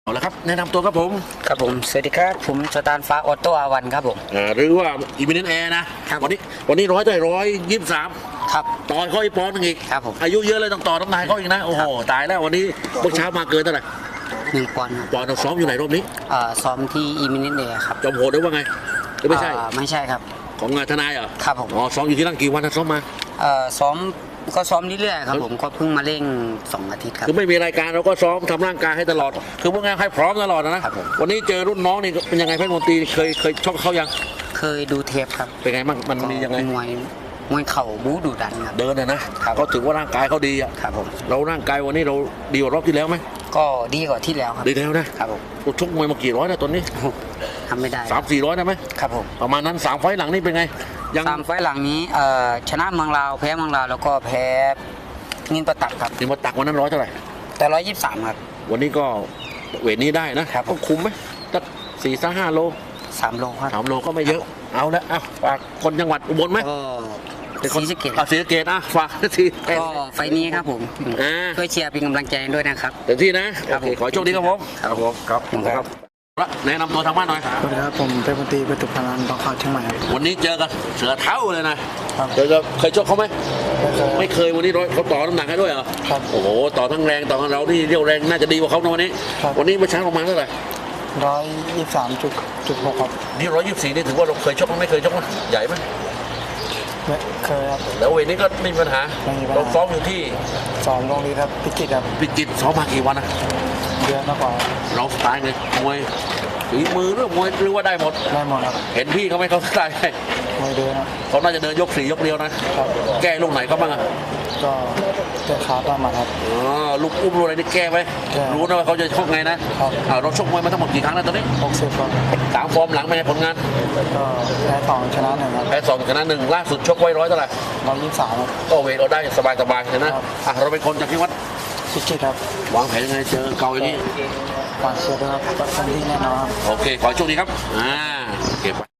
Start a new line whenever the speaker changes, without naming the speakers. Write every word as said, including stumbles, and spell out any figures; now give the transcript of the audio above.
เอาละครับแนะนำตัวครับผม
ครับผมสวัสดีครับผมสตานฟ้าออโต้อาวันครับผม
อ่าหรือว่าอีมิเนนแอร์นะครับวันนี้วันนี้ร้อยได้ร้อยยี่สิบสาม
ครับ
ต่อเขาอีกปอนด์นึงอีก
ครับผม
อายุเยอะเลยต้องต่อต้องนายเขาอีกนะโอ้โหตายแล้ววันนี้เมื่อเช้ามาเกินเท่าไหร่
หนึ่งปอนด์
ปอนด์เราซ้อมอยู่ไหนรอบนี้
เอ่อซ้อมที่อีมิเนนเดย์ครับ
จอมโหดหรือว่าไงหรือไม่ใช่
ไม่ใช่ครับ
ของงานทนายเหรอ
ครับผม
อ๋อซ้อมอยู่ที่นั่นกี่วันนะซ้อมมา
เอ่อซ้อมก็ซ้อมเรื่อยๆครับผมก็เพิ่งมาเร่งสองอาทิตย์ครับ
คือไม่มีรายการเราก็ซ้อมทำร่างกายให้ตลอดคือพวกงานให้พร้อมตลอดนะครับวันนี้เจอรุ่นน้องนี่เป็นยังไงเพชรมนตรีเคยเคยชกเขายัง
เคยดูเทปครับ
เป็นไงบ้างมันมียังไง
มวยมวยเข่าบู๊ดุดันครับ
เดินนะนะก็ถือว่าร่างกายเขาดีอ่ะ
ครับผม
เราร่างกายวันนี้เราดีกว่ารอบที่แล้วไหม
ก็ดีกว่าที่แล้วครับ
ดีแล้วนะครับผมชกมวยมากี่ร้อยนะตอนนี้
ทำไม่ได้
สามสี่ร้อยได้ไหม
ครับผม
ประมาณนั้นสามไฟหลังนี่เป็นไง
ยังสามไฟหลังนี้ชนะเมืองลาวแพ้เมืองลาวแล้วก็แพ้นินประตักครับ
นินประตักวันนั้นร้อยเท่าไหร่
แต่ร้อยยี่สิบสามครับ
วันนี้ก็เวทนี้ได้นะครับก็คุมไหมสักสี่สักห้าโล
สามโลครับ
สามโลก็ไม่เยอะเอาละอ่ะฝากคนจังหวัดอุบลไหม
เป็นคนศรีสะเกษ
ศรีสะเกษอ่ะฝากที
ก็ไฟนี้ครับผมช่วยเชียร์เป็นกำลังใจด้วยนะครับ
เต็มที่นะขอโชคดีครับผมครับผมครับครับแนะนำตัวทางบ้านหน่อย
สวัสดีครับผมเป็นมนตรีประตูพลานบางขาวเชียงใหม่
วันนี้เจอกันเสือเท้าเลยนะเคยเคยชกเขาไหมไม่เคยวันนี้ร้อยเขาต่อน้ำหนักให้ด้วยเหรอ
ครับ
โอ้โหต่อทั้งแรงต่อทั้งเราที่เรียวแรงน่าจะดีกว่าเขาในวันนี้วันนี้เมื่อเช้าประมาณเท่าไหร่
ร้อยยี่สิบสามจุดจุดหกครับ
นี่ร้อยยี่สิบสี่นี่ถือว่าเราเคยชกมั้ยไม่เคยชกมั้ยใหญ่ไหม
เคยครับ
แล้วเวทนี้ก็ไม่มีปัญหาเราซ้อมอยู่ที่
ซ้อมโรงเรียนครับพิจิตรครับ
พิจิตรซ้อมมากี่วันนะ
เดือนมากกว่า
เราสไตล์ไงมวยฝีมือเรื่องมวยหรือว่าได้หมด
ได้หมดครับ
เห็นพี่เขาไหมเขาสไตล์
มวยเดิน
เขาน่าจะเดินยกสี่ยกเดียวนะแก้ลูกไหนก็บ้างอ่ะ
ก็แก้ขาบ้างมาครับ
อ๋อลูกอุ้มลูกอะไรนี่แก้ไหมรู้นะว่าเขาจะชกไงนะเราชกมวยมาทั้งหมดกี่ครั้งแล้วตอนนี้
หกสิบครับ
สามฟอร์มหลังเป็นไงผลงาน
ก็แพ้สองชนะหนึ่งครับ
แพ้สองชนะหนึ่งล่าสุดชกไว้ร้อยเท่าไหร่
ร้อยยี่สิบสาม
ก็เวทเราได้สบายสบายนะอ่ะเราเป็นคนจากที่วัด
พิจิตรครับ
วางแผนยังไงเจอเก่าอย่างนี้
ฝากเชียร์ด้วยครับเป็นที่แน่นอน
โอเคขอโชคดีครับอ่าโอเค